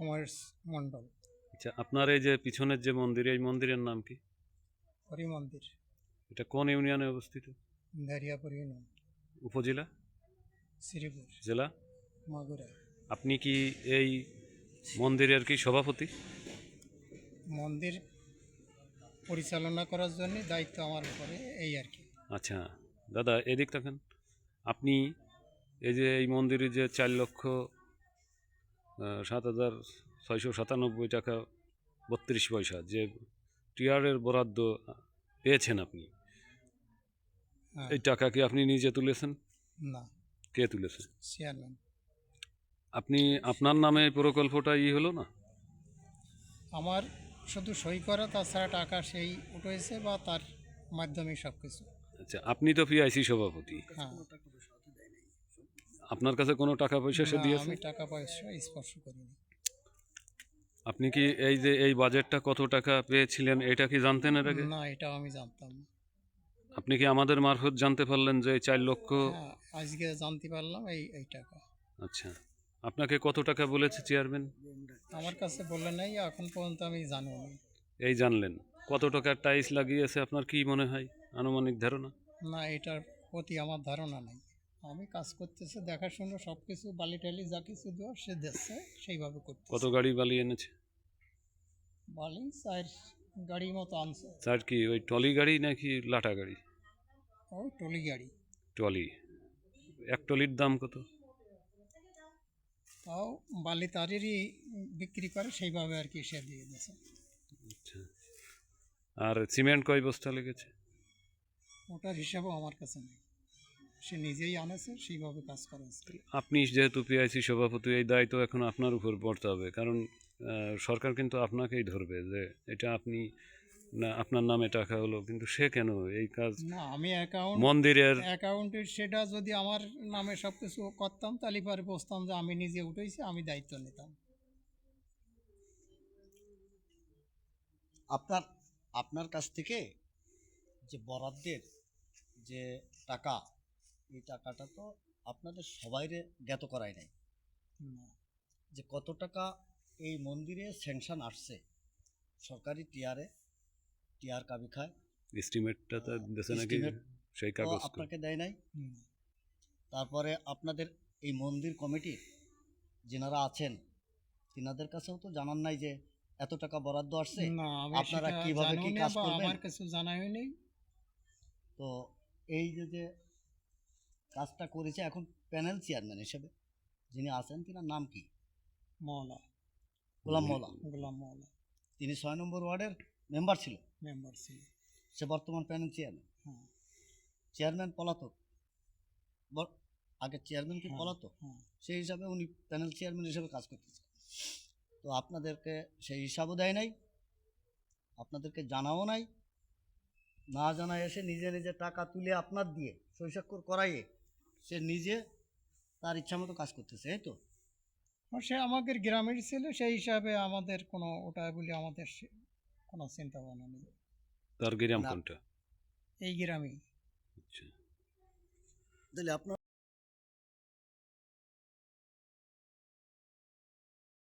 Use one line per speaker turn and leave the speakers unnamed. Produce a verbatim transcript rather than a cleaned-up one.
কুমার মণ্ডল।
আচ্ছা, আপনার এই যে পিছনের যে মন্দির, এই মন্দিরের নাম কি?
হরি মন্দির,
এটা কোন ইউনিয়নে অবস্থিত?
দারিয়াপুর ইউনিয়ন,
উপজেলা?
শ্রীপুর,
জেলা?
মাগুরা।
আপনি কি এই মন্দিরের কি সভাপতি?
মন্দির পরিচালনা করার জন্য দায়িত্ব আমার উপরে, এই আর কি।
আচ্ছা দাদা, এদিক থাকেন। আপনি এই যে এই মন্দিরে যে চার লক্ষ আহ, সাত হাজার ছয়শো সাতানব্বই টাকা বত্রিশ পয়সা যে টিআরের বরাদ্দ পেয়েছেন আপনি,
হ্যাঁ।
এই টাকা কি আপনি নিজে তুলেছেন?
না,
কে তুলেছে?
চেয়ারম্যান।
আপনি আপনার নামে এই প্রকল্পটা ই হলো না?
আমার শুধু সই করা, তাছাড়া টাকা সেই উঠেছে বা তার মাধ্যমে সব কিছু।
আচ্ছা, আপনি তো পিআইসি সভাপতি,
হ্যাঁ।
আপনার কাছে কোনো টাকা পয়সা সে
না,
দিয়েছে?
আমি টাকা পয়সা স্পর্শ করিনি।
আপনি কি এই যে এই বাজেটটা কত টাকা পেয়েছিলেন এটা কি জানতেন এর আগে?
না, এটাও আমি জানতাম না।
আপনি কি আমাদের মারফত জানতে পারলেন যে এই চার লক্ষ?
হ্যাঁ, আজকে জানতে পারলাম এই এই টাকা।
আচ্ছা, আপনাকে কত টাকা বলেছে চেয়ারম্যান?
আমার কাছে বললে নাই, এখন পর্যন্ত আমি জানিও নি।
এই জানলেন। কত টাকার টাইলস লাগিয়েছে আপনার কি মনে হয়, আনুমানিক ধারণা?
না, এটার প্রতি আমার ধারণা নাই। আমি কাজ করতেছে দেখাশুনো, সব কিছু বালি টালি যা কিছু দেওয়া সে দিচ্ছে, সেইভাবে
কত
করতেছে।
গাড়ি বালি এনেছে?
বালি চার গাড়ির মতো আনছে।
স্যার কি ওই টলি গাড়ি নাকি লাটা গাড়ি?
ওই টলি গাড়ি।
টলি। এক টলির দাম কত?
তাও বালি তারেরই বিক্রি করে, সেইভাবে আর কি সে দিয়ে দিয়েছে।
আচ্ছা, আর সিমেন্ট কয় বস্তা লেগেছে?
ওটার হিসাবও আমার কাছে নেই, সে নিজেই আনেছে, সেইভাবে কাজ করেছে।
আপনি যেহেতু পিআইসি সভাপতি, এই দায়িত্ব এখন আপনার উপর পড়তে হবে, কারণ আহ, সরকার কিন্তু আপনাকেই ধরবে যে এটা আপনি না, আপনার নামে টাকা হলো, কিন্তু সে কেন এই কাজ
না, আমি অ্যাকাউন্ট
মন্দিরের?
অ্যাকাউন্টের সেটা যদি আমার নামে সব কিছু করতাম, তাহলে পরে বসতাম যে আমি নিজে উঠেছি, আমি দায়িত্ব নিতাম।
আপনার আপনার কাছ থেকে যে বরাদ্দের যে টাকা, এই টাকাটা তো আপনাদের সবাইরে জ্ঞাত করাই নাই
না,
যে কত টাকা এই মন্দিরে স্যাংশন আসছে সরকারি টিআরে, টিআর কাবি খায়
এস্টিমেটটা তো দেশে নাকি
estimate
সেই
তো
কাগজ কই?
আপনাকে দেয় নাই।
হুম।
তারপরে আপনাদের এই মন্দির কমিটির যেনারা আছেন তিনাদের কাছেও তো জানান নাই যে এত টাকা বরাদ্দ আসছে,
না, আমি
আপনারা
সেটা
কিভাবে
জানিও
কি
নি
কাজ
বা
করবেন।
আমার কিছু জানা হয়নি।
তো এই যে যে কাজটা করেছে এখন প্যানেল চেয়ারম্যান হিসেবে যিনি আছেন তিনার নাম কি?
মওলা,
গোলাম মওলা।
গোলাম মওলা
তিনি ছয় নম্বর ওয়ার্ডের মেম্বার ছিল,
মেম্বার ছিল।
সে বর্তমান প্যানেল চেয়ারম্যান।
হ্যাঁ,
চেয়ারম্যান পলাতক, বর- আগে চেয়ারম্যান কি
হ্যাঁ,
পলাতক,
হ্যাঁ।
সেই হিসাবে উনি প্যানেল চেয়ারম্যান হিসেবে কাজ করতেছে। তো আপনাদেরকে সেই হিসাবও দেয় নাই, আপনাদেরকে জানাও নাই, না জানায় এসে নিজে নিজে টাকা তুলে আপনার দিয়ে সই স্বাক্ষর করাইয়ে সে নিজে তার ইচ্ছা মতো কাজ করতেছে, এই তো।
আর সে আমাদের গ্রামের ছিল, সেই হিসাবে আমাদের কোনো ওটা বলে আমাদের সে- কোনো চিন্তা ভাবনা নেই।
তার গ্রাম
না।
কোনটা?
এই গ্রামেই।
আচ্ছা।
তাহলে আপনার